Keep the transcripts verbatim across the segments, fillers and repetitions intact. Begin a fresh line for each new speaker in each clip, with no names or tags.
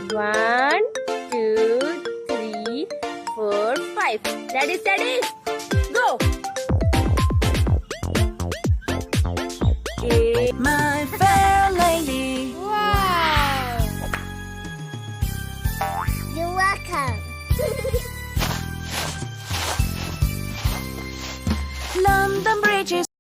One, two, three, four, five. Ready, steady, go. Eight.
My fair lady.
Wow. You're welcome.
London Bridge is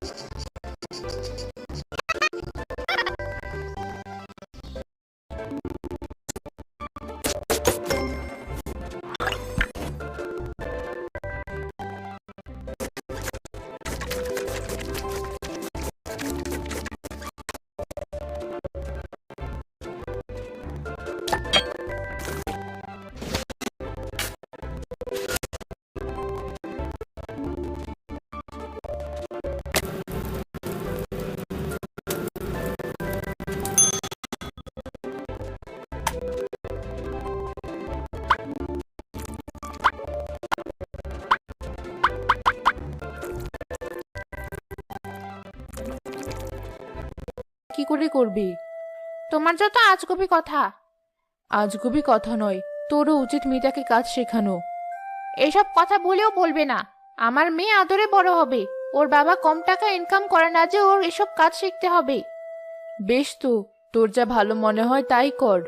কি করে করবি? তোমার যত আজগুবি কথা। আজগুবি কথা নয়, তোরও উচিত মেয়েটাকে কাজ শেখানো। এসব কথা বলেও বলবে না। আমার মেয়ে আদরে বড় হবে, ওর বাবা কম টাকা ইনকাম করে না যে ওর এসব কাজ শিখতে হবে। বেশ তো, তোর যা ভালো মনে হয় তাই কর।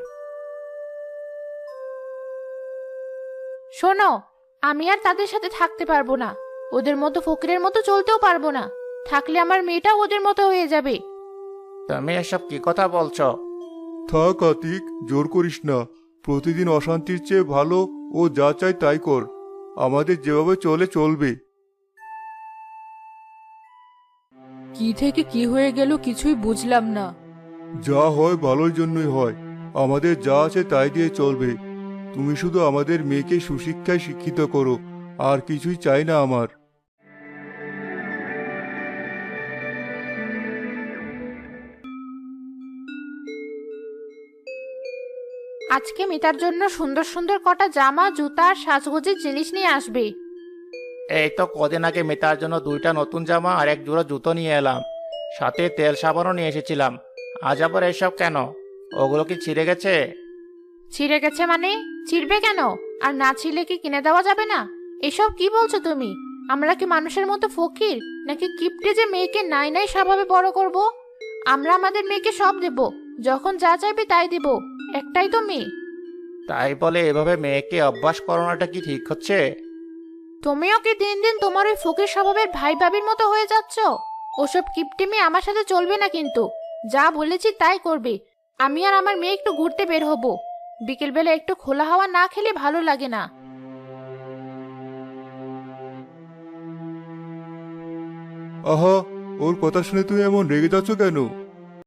শোনো, আমি আর তাদের সাথে থাকতে পারবো না। ওদের মতো ফকিরের মতো চলতেও পারবো না। থাকলে আমার মেয়েটাও ওদের মতো হয়ে যাবে।
তুমি এসব কি কথা বলছো?
থাক আতিক, জোর করিস না। প্রতিদিন অশান্তির চেয়ে ভালো ও যা চায় তাই কর। আমাদের যেভাবে চলে চলবে।
কি থেকে কি হয়ে গেল কিছুই বুঝলাম না।
যা হয় ভালোর জন্যই হয়। আমাদের যা আছে তাই দিয়ে চলবে। তুমি শুধু আমাদের মেয়েকে সুশিক্ষায় শিক্ষিত করো, আর কিছুই চাই না আমার।
আজকে মিতার জন্য সুন্দর সুন্দর কটা জামা, জুতা আর সাজগোজের জিনিস নিয়ে আসবে।
এই তো কদিন আগে মেটার জন্য দুইটা নতুন জামা আর এক জোড়া জুতো নিয়ে এলাম, সাথে তেল সাবানও নিয়ে এসেছিলাম। আজ আবার এসব কেন? ওগুলো কি ছিঁড়ে গেছে?
ছিঁড়ে গেছে মানে? ছিঁড়বে কেন? আর না ছিঁড়লে কি কিনে দেওয়া যাবে না? এসব কি বলছো তুমি? আমরা কি মানুষের মতো ফকির নাকি কিপটে যে মেয়েকে নাই নাই স্বভাবে বড় করব? আমরা আমাদের মেয়েকে সব দেব, যখন যা চাইবে তাই দিব। একটাই তো মেয়ে।
তাই বলে এভাবে মেয়েকে অভ্যাস করানোটা কি ঠিক হচ্ছে?
তুমিও কি দিন দিন তোমার ওই ফকির স্বভাবের ভাই ভাবির মতো হয়ে যাচ্ছ? ওসব কিপটে মেয়ে আমার সাথে চলবে না কিন্তু। যা বলেছি তাই করবে। আমি আর আমার মেয়ে একটু ঘুরতে বের হব। বিকেলবেলা একটু খোলা হাওয়া না খেলে ভালো লাগে না।
আহা, ওর কথা শুনে তুমি এমন রেগে যাচ্ছ কেন?